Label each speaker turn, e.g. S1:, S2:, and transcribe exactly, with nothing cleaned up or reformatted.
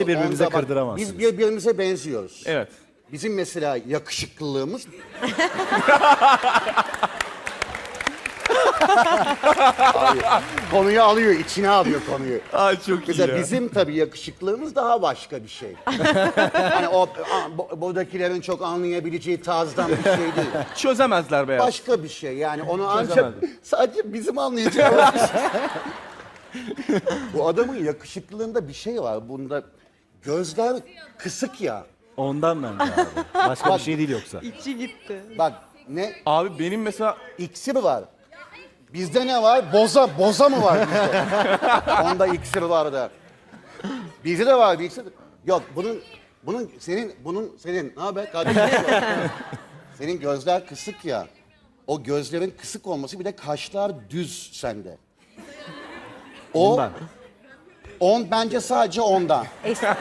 S1: birbirimize
S2: Onda bak,
S1: kırdıramazsınız.
S2: Biz birbirimize benziyoruz.
S3: Evet.
S2: Bizim mesela yakışıklılığımız... Abi, konuyu alıyor, içine alıyor konuyu.
S3: Ay çok
S2: Mesela bizim tabii yakışıklılığımız daha başka bir şey. Hani o a, bu- buradakilerin çok anlayabileceği tarzdan bir şey değil.
S3: Çözemezler be ya.
S2: Başka bir şey yani onu ancak
S3: Çözemezdim.
S2: sadece bizim anlayacağımız bir şey. Bu adamın yakışıklılığında bir şey var. Bunda gözler kısık ya.
S1: Ondan ben de abi. Başka bir şey değil yoksa.
S4: İçi gitti.
S2: Bak ne
S3: Abi benim mesela
S2: iksir var. Bizde ne var? Boza, boza mı var bizde? Onda iksir var da. Bizde de var bir iksir. Yok bunun, bunun senin, bunun senin. Ne haber kardeşim? Senin gözler kısık ya. O gözlerin kısık olması bir de kaşlar düz sende. O,
S1: Ondan.
S2: on bence sadece ondan.